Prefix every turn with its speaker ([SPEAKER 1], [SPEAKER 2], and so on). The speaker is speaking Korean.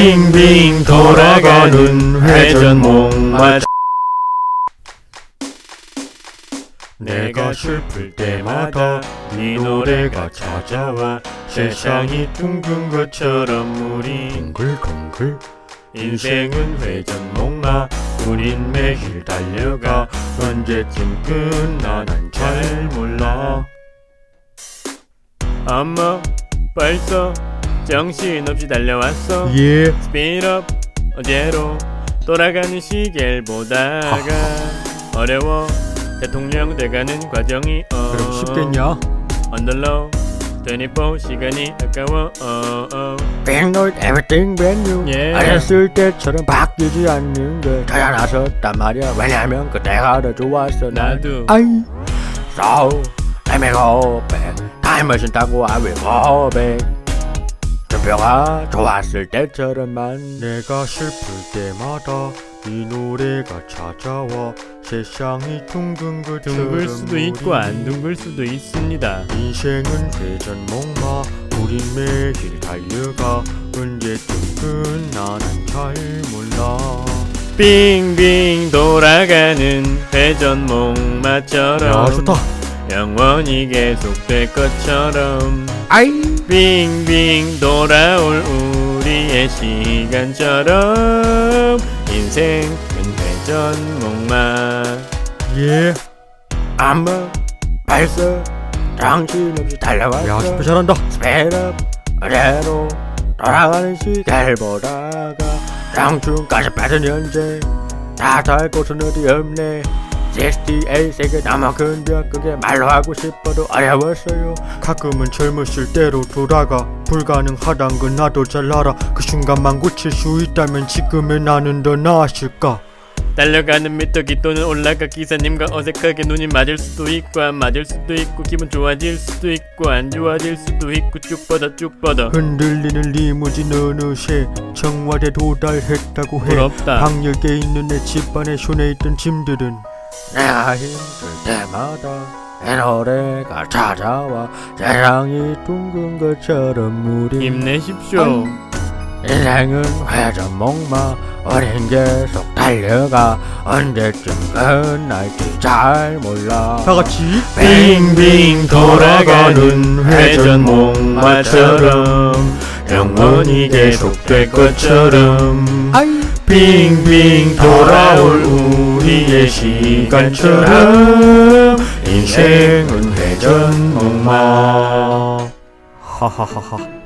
[SPEAKER 1] 빙빙 돌아가는 회전목마. 내가 슬플 때마다 네 노래가 찾아와. 세상이 둥근 것처럼 우리 둥글둥글. 인생은 회전목마. 우린 매일 달려가. 언제쯤 끝나 난 잘 몰라. 엄마 벌써 정신없이 달려왔어.
[SPEAKER 2] 예.
[SPEAKER 1] 스피드업 어제로 돌아가는 시계를 보다가 어려워 대통령 돼가는 과정이
[SPEAKER 2] 그럼 쉽겠냐?
[SPEAKER 1] 언더로 24 시간이 아까워.
[SPEAKER 2] Been not everything brand new.
[SPEAKER 1] 예.
[SPEAKER 2] 어렸을 때처럼 바뀌지 않는 게 저야 나섰단 말이야. 왜냐면 그때가 더 좋았어.
[SPEAKER 1] 나도.
[SPEAKER 2] 아이. So let me go back. Time machine 타고 I will go back. 투표가 좋았을 때처럼만. 내가 슬플 때마다 이 노래가 찾아와. 세상이 둥근 것처럼
[SPEAKER 1] 둥글 수도 있고 안 둥글 수도 있습니다.
[SPEAKER 2] 인생은 회전목마. 우린 매일 달려가. 언제쯤 끝나 난 잘 몰라.
[SPEAKER 1] 빙빙 돌아가는 회전목마처럼.
[SPEAKER 2] 야 좋다.
[SPEAKER 1] 영원히 계속될 것처럼.
[SPEAKER 2] 아이.
[SPEAKER 1] 빙빙 돌아올 우리의 시간처럼. 인생은 회전목마.
[SPEAKER 2] 예. 아마 벌써 정신없이 달려왔어. 야 super 잘한다. 스피드업 어제로 돌아가는 시계를 보다가 청춘까지 빠진 현재 다 달 곳은 어디 없네. 68 세계 남아 큰 벽 그게 말로 하고 싶어도 어려웠어요. 가끔은 젊었을 때로 돌아가. 불가능하단 건 나도 잘 알아. 그 순간만 고칠 수 있다면 지금의 나는 더 나았을까.
[SPEAKER 1] 달려가는 미터기 또는 올라가 기사님과 어색하게 눈이 맞을 수도 있고 안 맞을 수도 있고 기분 좋아질 수도 있고 안 좋아질 수도 있고 쭉 뻗어 쭉 뻗어.
[SPEAKER 2] 흔들리는 리무진 어느새 청와대 도달했다고 해.
[SPEAKER 1] 부럽다.
[SPEAKER 2] 방역에 있는 내 집안에 손에 있던 짐들은 내가 힘들 때마다 내 노래가 찾아와. 세상이 둥근 것처럼 우리
[SPEAKER 1] 힘내십시오.
[SPEAKER 2] 인생은 회전목마. 우린 계속 달려가. 언제쯤 끝날지 잘 몰라. 다같이
[SPEAKER 1] 빙빙 돌아가는 회전목마처럼 영원히 계속될 것처럼.
[SPEAKER 2] 아이.
[SPEAKER 1] 빙빙 돌아올 우리의 시간처럼. 인생은 회전목마.
[SPEAKER 2] 하하하하.